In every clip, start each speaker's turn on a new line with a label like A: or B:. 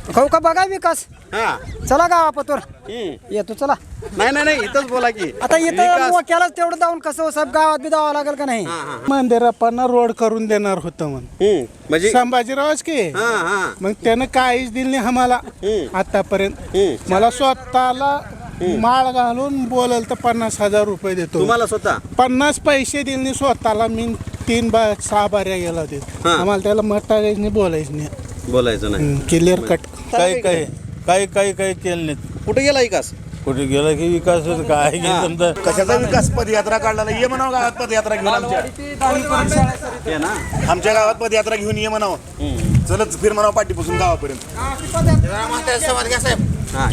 A: खाऊ का बघा विकास
B: हा
A: चला गावापतोर येतो चला
B: नाही नाही नाही इथंच बोला की
A: आता इथं
B: विकास.
A: मोक्यालाच तेवढं जाऊन कसं साहेब गावात बी जावं लागेल का नाही
C: मंदिरापांना रोड करून देणार होतं म्हणून
B: म्हणजे
C: संभाजीरावच की
B: हा हा
C: मग त्यानं काहीच दिलं नाही आम्हाला आतापर्यंत मला स्वतःला माळ घालून बोलल तर 50,000 रुपये देतो
B: तुम्हाला स्वतः
C: 50 पैसे दिले नाही स्वतःला मी 6 बाऱ्या गेला देत
B: हा.
C: आम्हाला त्याला मत टाकायचं नाही बोलायचं नाही
B: बोलायचं नाही
C: क्लिअर कट
D: काही केलं नाहीत.
B: कुठे गेला विकास
D: कुठे गेला की विकास होत काय की समजा
E: कशाचा विकास पदयात्रा काढला ये म्हणावं गावात पदयात्रा घेऊन
B: ते ना
E: आमच्या गावात पदयात्रा घेऊन ये म्हणावं चलच फिर म्हणावं पाठीपासून गावापर्यंत
B: हा.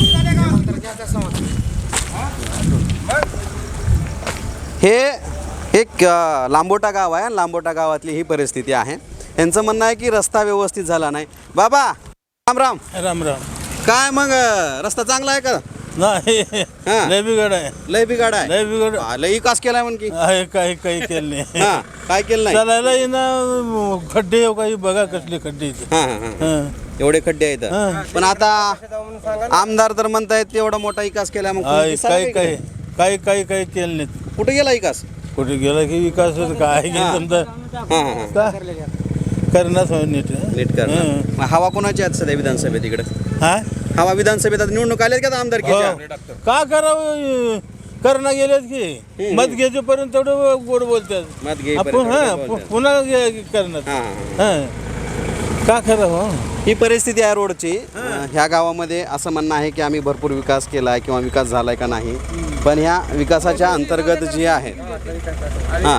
B: हे एक लांबोटा गाव आहे आणि लांबोटा गावातली ही परिस्थिती आहे. यांचं म्हणणं आहे की रस्ता व्यवस्थित झाला नाही. बाबा राम राम.
D: राम राम
B: काय मग रस्ता चांगला आहे का
D: नाही
B: हा.
D: लय बिघड आहे
B: लय बिघाड आहे
D: लय बिघड
B: लय विकास केलाय म्हण की
D: आहे काही केलं नाही
B: हा काय केलं नाही
D: चालायला येणं खड्डे हो काही बघा कसले खड्डे इथे
B: हा हा हा.
D: हं.
B: एवढे खड्डे आहेत
D: हा.
B: पण आता आमदार तर म्हणतायत एवढा मोठा विकास केला मग
D: आहे,
B: तुम्ही दिसायला
D: काही केलं नाहीत.
B: कुठे गेला विकास
D: कुठे गेला की विकास होत काय की
B: हा.
D: समजा
B: हा हा हा.
D: का? करणार नीट
B: नीट कर
D: हं.
B: मग हवा कोणाची आहेत सध्या विधानसभेत इकडे
D: हा
B: हवा विधानसभेत आता निवडणूक आल्यात का आता आमदारकीच्या
D: हो. का करावं करणं गेलेत की मत घ्यायचेपर्यंत तेवढं गोड बोलतात
B: मत घे
D: आपण पुन्हा करणार
B: हा
D: हं. का करावं
B: ही परिस्थिती आहे रोडची. ह्या गावामध्ये असं म्हणणं आहे की आम्ही भरपूर विकास केला आहे किंवा विकास झाला आहे का नाही पण ह्या विकासाच्या अंतर्गत जी आहे हां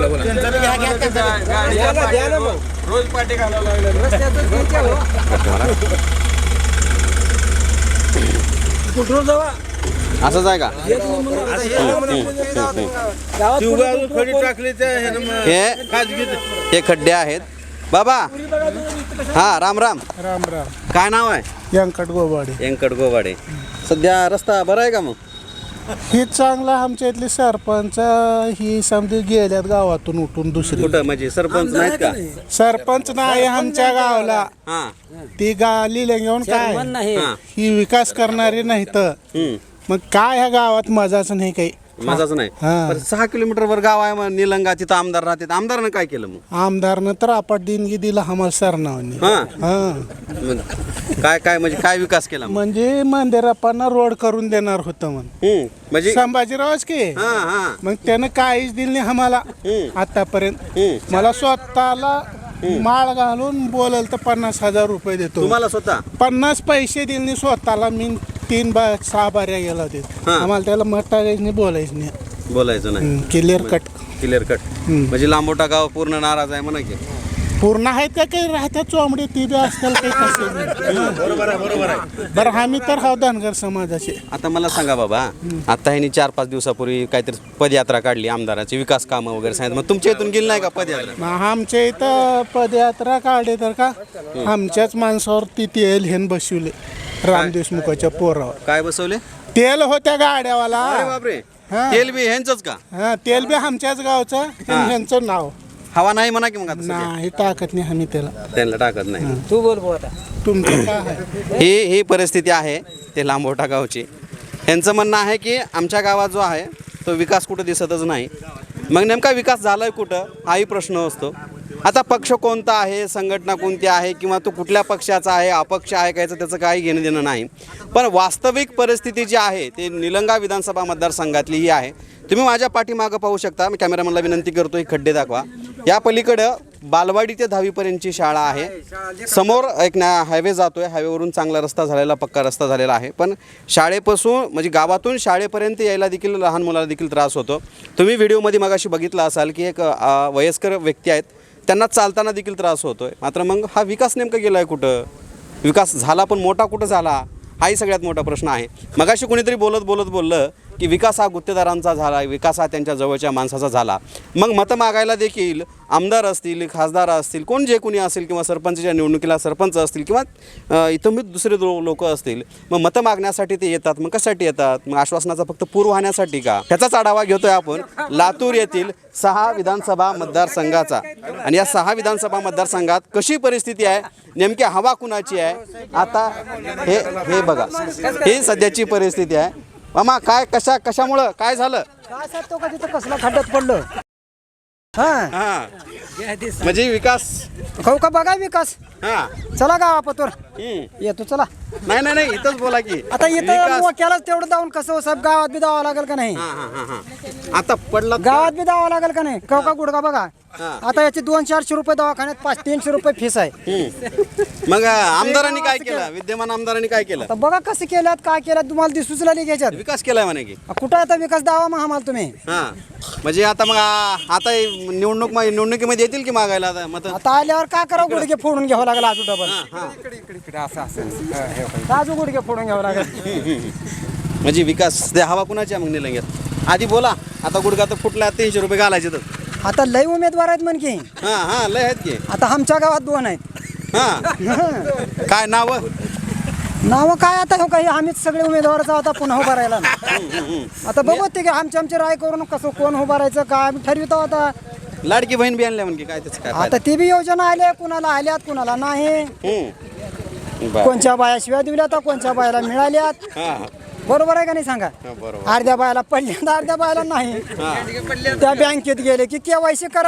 B: असंच आहे का
D: खडी टाकली
B: हे खड्डे आहेत. बाबा हा राम राम.
C: राम राम
B: काय नाव आहे
C: व्यंकट गोबाडे
B: व्यंकट गोवाडे. सध्या रस्ता बरा आहे का मग
C: ही चांगला आमच्या इथले सरपंच ही समजा गेल्यात गावातून उठून दुसरी
B: कुठं म्हणजे सरपंच नाहीत का
C: सरपंच नाही आमच्या गावाला
B: हां
C: ती गाली घेऊन काय
B: हां
C: ही विकास करणारी नाही तर मग काय ह्या गावात मजाच नाही काही
B: माझाच नाही
C: हां.
B: पण 6 किलोमीटरवर गाव आहे मग निलंगा तिथं आमदार राहते आमदारनं काय केलं मग
C: आमदारनं तर आपट देणगी दिला आम्हाला सरनावानी
B: हां
C: हा
B: मग काय म्हणजे काय विकास केला मग?
C: म्हणजे मंदिरापांना रोड करून देणार होतं म्हणून
B: म्हणजे
C: संभाजीरावच की
B: हां हां
C: मग त्यानं काहीच दिलं नाही आम्हाला आतापर्यंत मला स्वतःला माळ घालून बोलल तर 50,000 रुपये देतो
B: तुम्हाला स्वतः
C: 50 पैसे दिले नाही स्वतःला मी 6 बाऱ्या गेला देत
B: हा.
C: आम्हाला त्याला मत टाकायचं नाही बोलायचं नाही
B: बोलायचं नाही
C: क्लिअर कट
B: क्लिअर कट म्हणजे लांबोटा गाव पूर्ण नाराज आहे म्हणा की
C: पूर्ण आहेत का काही राहत्या चोंबडी ती बी असतील काही तसे
E: बरोबर आहे
C: बरं आम्ही तर हा धनगर समाजाचे
B: आता मला सांगा बाबा आता ह्यांनी 4-5 दिवसापूर्वी काहीतरी पदयात्रा काढली आमदाराची विकास कामं वगैरे सांगितलं मग तुमच्या इथून गेली नाही का पदयात्रा
C: मग आमच्या इथं पदयात्रा काढली तर का आमच्याच माणसावर ती तेल हेन बसवले राम देशमुखाच्या पोरावर
B: काय बसवले
C: तेल होत्या गाड्यावाला
B: अरे बापरे
C: हा.
B: तेल बी ह्यांचंच का
C: हा तेल बी आमच्याच गावचं आणि ह्यांचं नाव
B: हवा नाही म्हणा की मग आता सध्या?
C: नाही टाकत नाही आम्ही त्याला
B: त्यांना टाकत नाही
A: तू बोल आता
C: तुमचं काय आहे
B: ही परिस्थिती आहे ते लांबोटा गावची. यांचं म्हणणं आहे की आमच्या गावात जो आहे तो विकास कुठं दिसतच नाही. मग नेमका विकास झालाय कुठं हाही प्रश्न असतो. आता पक्ष कोणता आहे संघटना कोणती आहे किंवा तो कुठल्या पक्षाचा आहे अपक्ष आहे का याचं त्याचं काही घेणं देणं नाही. पण वास्तविक परिस्थिती जी आहे ते निलंगा विधानसभा मतदारसंघातली ही आहे. तुम्ही माझ्या पाठीमागं पाहू शकता. मी कॅमेरामॅनला विनंती करतो ही खड्डे दाखवा. या पलीकडं बालवाडी ते 10वीपर्यंतची शाळा आहे. समोर एक हायवे जातोय. हायवेवरून चांगला रस्ता झालेला पक्का रस्ता झालेला आहे. पण शाळेपासून म्हणजे गावातून शाळेपर्यंत यायला देखील लहान मुलाला देखील त्रास होतो. तुम्ही व्हिडिओमध्ये मगाशी बघितलं असाल की एक वयस्कर व्यक्ती आहेत त्यांना चालताना देखील त्रास होतोय. मात्र मग हा विकास नेमका गेला आहे कुठं विकास झाला पण मोठा कुठं झाला हाही सगळ्यात मोठा प्रश्न आहे. मगाशी कोणीतरी बोललं की विकास हा गुत्तेदारांचा झाला, विकास हा त्यांच्या जवळच्या माणसाचा झाला, मग मतं मागायला देखील आमदार असतील, खासदार असतील, कोण जे कोणी असेल किंवा सरपंचच्या निवडणुकीला सरपंच असतील किंवा इथं दुसरे लोक असतील, मग मतं मागण्यासाठी ते येतात. मग कशासाठी येतात? मग आश्वासनाचा फक्त पूर वाहण्यासाठी का? ह्याचाच आढावा घेतोय आपण लातूर येथील 6 विधानसभा मतदारसंघाचा. आणि या 6 विधानसभा मतदारसंघात कशी परिस्थिती आहे, नेमकी हवा कुणाची आहे, आता हे बघा, ही सध्याची परिस्थिती आहे. मामा काय कशामुळं काय झालं?
A: काय सांगतो का तिथं कसला खड्ड्यात पडलं? हा
B: म्हणजे विकास
A: खाऊ का बघा विकास.
B: हा
A: चला गावापतोर येतो चला.
B: नाही इथंच बोला की
A: आता इथं
B: विकास.
A: मोक्यालाच तेवढं जाऊन कसं सब गावात बी जावं लागेल का नाही?
B: आता पडला
A: गावात बी जावं लागेल का नाही? का गुडगा बघा. आता याचे 200-400 रुपये दवाखान्यात, 500-300 रुपये फीस आहे.
B: मग आमदारांनी काय केलं? विद्यमान आमदारांनी काय केलं?
A: आता बघा कसं केल्यात, काय केल्यात, तुम्हाला दिसूच लागली घ्यायच्यात.
B: विकास केलाय म्हणे की.
A: कुठं आता विकास दावा मग आम्हाला तुम्ही?
B: हा म्हणजे आता मग आता निवडणुकीमध्ये येतील की मागायला आता मत?
A: आता आल्यावर काय करावं? गुडघे फोडून घ्यावं लागेल आजू डबल. आजू गुडघे फोडून घ्यावं लागेल.
B: म्हणजे विकास ते हवा कुणाची आहे मग निलंग्यात? आधी बोला. आता गुडघा तर फुटला, 300 रुपये घालायचे तर.
A: आता लय उमेदवार आहेत म्हण की.
B: हा लय आहेत की.
A: आता आमच्या गावात 2 आहेत.
B: काय नाव?
A: नावं काय आता हो काही आम्हीच सगळे उमेदवाराचा आता पुन्हा उभा राहिला. आता बघू ते की आमची राय करून कसं कोण उभा राहायचं काय आम्ही ठरवितो. आता
B: लाडकी बहीण बी आणल्या म्हणजे काय त्याचं काय
A: आता ती बी योजना आल्या, कुणाला आल्यात कुणाला नाही.
B: फायदा?
A: कोणच्या बाया शिव्या दिल्यात, कोणच्या बायाला मिळाल्यात. बरोबर आहे का नाही सांगा? अर्ध्या बायाला पडल्या, अर्ध्या बायाला नाही. त्या बँकेत गेले की केवायसी करा,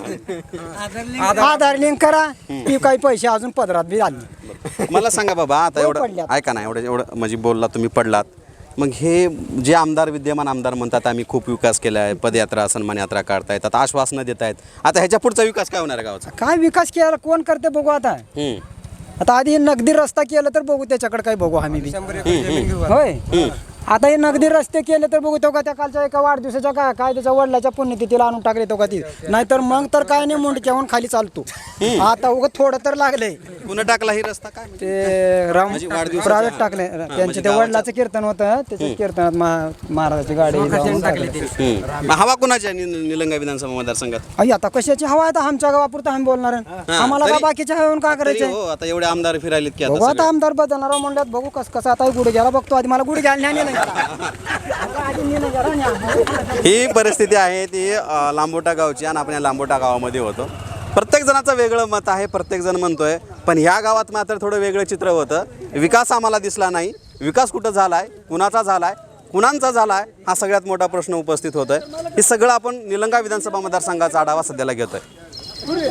A: आधार लिंक करा, ती काही पैसे अजून पदरात बी आले.
B: मला सांगा बाबा, आता एवढं
A: पडल्यात.
B: ऐका ना, एवढं म्हणजे बोलला तुम्ही, पडलात. मग हे जे आमदार, विद्यमान आमदार म्हणतात आम्ही खूप विकास केला आहे, पदयात्रा, सन्मान यात्रा काढतायत, आता आश्वासनं देत आहेत, आता ह्याच्या पुढचा विकास काय होणार आहे गावाचा?
A: काय विकास केला कोण करते बघू आता. आता आधी नगदी रस्ता केलं तर बघू, त्याच्याकडे काय बघू आम्ही बी. होय आता हे नगदी रस्ते केले तर बघू. तो का त्या कालच्या एका वाढदिवसाच्या काय त्याच्या वडिलाच्या पुण्यतिथीला आणून टाकले तो का ती, नाहीतर मग तर काय नाही, मुंडक्याहून खाली चालतो. आता उगं थोडं तर लागलंय.
B: पुन्हा टाकला ही रस्ता काय
A: ते राम
B: म्हणजे वाढदिवसाच्या-
A: प्रायव्हेट टाकले त्यांचे, ते वडिलाचं कीर्तन होतं, त्याच्या कीर्तनात महाराजाची गाडी जाऊन टाकली.
B: हवा कुणाची आहे निलंगा विधानसभा मतदारसंघात?
A: आई आता कशाची हवा आहे? आता आमच्या गावापुरतं आम्ही बोलणार आहे. आम्हाला का
B: तरी-
A: बाकीच्या हवेऊन का
B: तरी
A: करायचंय?
B: हो, आता एवढे आमदार फिरायलेत की
A: बघू
B: आता
A: आता आमदार बदलणार म्हणल्यात, बघू कसं आता गुढे घ्यायला बघतो. आधी मला गुढे घ्यायला नाही.
B: ही परिस्थिती आहे ती लांबोटा गावची. आणि आपण या लांबोटा गावामध्ये होतो. प्रत्येक जणाचं वेगळं मत आहे, प्रत्येक जण म्हणतोय, पण ह्या गावात मात्र थोडं वेगळं चित्र होतं. विकास आम्हाला दिसला नाही. विकास कुठं झालाय, कुणाचा झालाय, कुणांचा झालाय, हा सगळ्यात मोठा प्रश्न उपस्थित होतोय. हे सगळं आपण निलंगा विधानसभा मतदारसंघाचा आढावा सध्याला घेतोय.